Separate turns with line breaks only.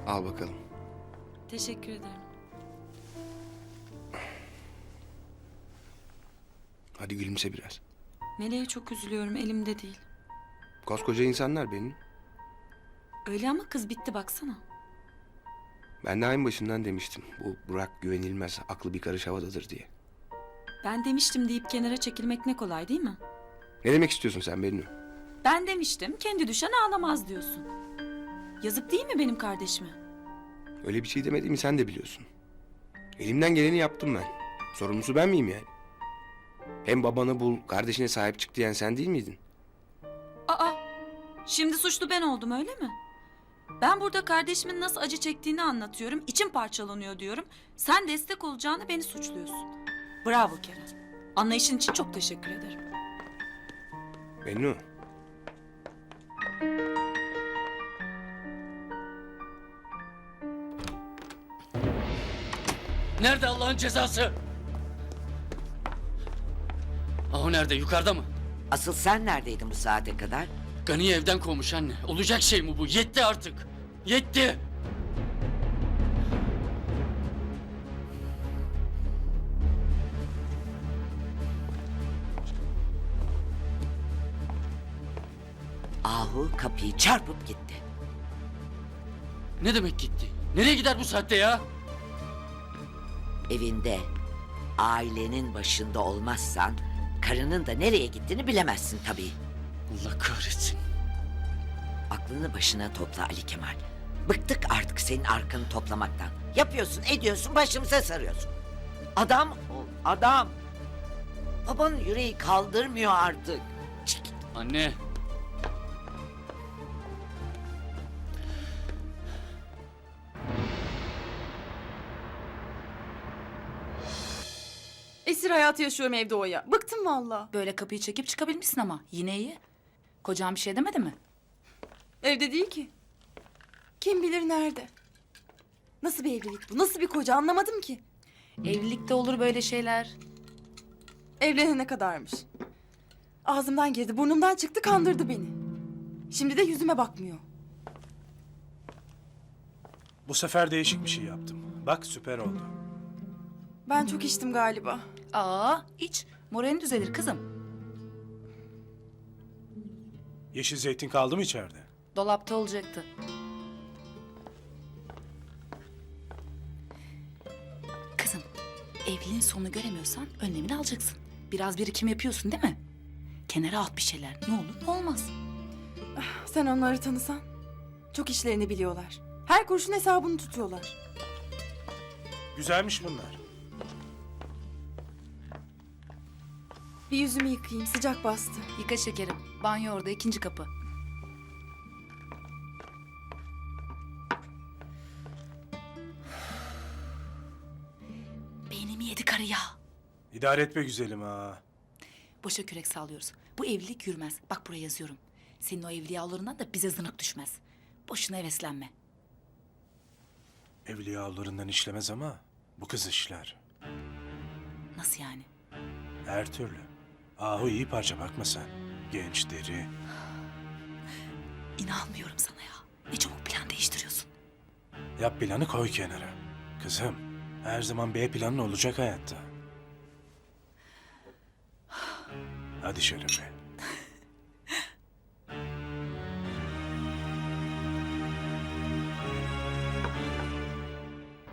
Al bakalım.
Teşekkür ederim.
Hadi gülümse biraz.
Meleğe çok üzülüyorum, elimde değil.
Koskoca insanlar benim.
Öyle ama kız bitti baksana.
Ben de ayın başından demiştim. Bu Burak güvenilmez, aklı bir karış havadadır diye.
Ben demiştim deyip kenara çekilmek ne kolay değil mi?
Ne demek istiyorsun sen Bennu?
Ben demiştim, kendi düşen ağlamaz diyorsun. Yazık değil mi benim kardeşime?
Öyle bir şey demediğimi sen de biliyorsun. Elimden geleni yaptım ben. Sorumlusu ben miyim yani? Hem babanı bul, kardeşine sahip çık diyen sen değil miydin?
Aa, şimdi suçlu ben oldum öyle mi? Ben burada kardeşimin nasıl acı çektiğini anlatıyorum, içim parçalanıyor diyorum. Sen destek olacağını beni suçluyorsun. Bravo Kerem. Anlayışın için çok teşekkür ederim.
Bennu,
Nerede Allah'ın cezası? Ahu nerede? Yukarıda mı?
Asıl sen neredeydin bu saate kadar?
Gani'yi evden kovmuş anne. Olacak şey mi bu? Yetti artık. Yetti.
Ahu kapıyı çarpıp gitti.
Ne demek gitti? Nereye gider bu saatte ya?
Evinde ailenin başında olmazsan karının da nereye gittiğini bilemezsin tabii.
Allah kahretsin.
Aklını başına topla Ali Kemal. Bıktık artık senin arkanı toplamaktan. Yapıyorsun, ediyorsun, başımıza sarıyorsun. Adam ol, adam. Babanın yüreği kaldırmıyor artık. Çık.
Anne.
Esir hayatı yaşıyorum evde Oya. Bıktım valla.
Böyle kapıyı çekip çıkabilmişsin ama. Yine iyi. Kocam bir şey demedi mi?
Evde değil ki. Kim bilir nerede? Nasıl bir evlilik bu? Nasıl bir koca anlamadım ki.
Evlilikte olur böyle şeyler.
Evlenene kadarmış. Ağzımdan girdi, burnumdan çıktı, kandırdı beni. Şimdi de yüzüme bakmıyor.
Bu sefer değişik bir şey yaptım. Bak süper oldu.
Ben çok içtim galiba.
Aa, iç. Moralin düzelir kızım.
Yeşil zeytin kaldı mı içeride?
Dolapta olacaktı. Kızım, evliliğin sonunu göremiyorsan önlemini alacaksın. Biraz birikim yapıyorsun değil mi? Kenara at bir şeyler. Ne olur ne olmaz.
Sen onları tanısan. Çok işlerini biliyorlar. Her kuruşun hesabını tutuyorlar.
Güzelmiş bunlar.
Bir yüzümü yıkayayım, sıcak bastı.
Yıka şekerim. Banyo orada, ikinci kapı. Beynimi yedi karı ya.
İdare etme güzelim ha.
Boşa kürek sallıyoruz. Bu evlilik yürümez. Bak buraya yazıyorum. Senin o evliyalarından da bize zınık düşmez. Boşuna heveslenme.
Evliyalarından işlemez ama bu kız işler.
Nasıl yani?
Her türlü. Ahu iyi parça bakma sen. Genç, deri.
İnanmıyorum sana ya. Ne çabuk plan değiştiriyorsun.
Yap planı koy kenara. Kızım, her zaman B planın olacak hayatta. Hadi Şerefe.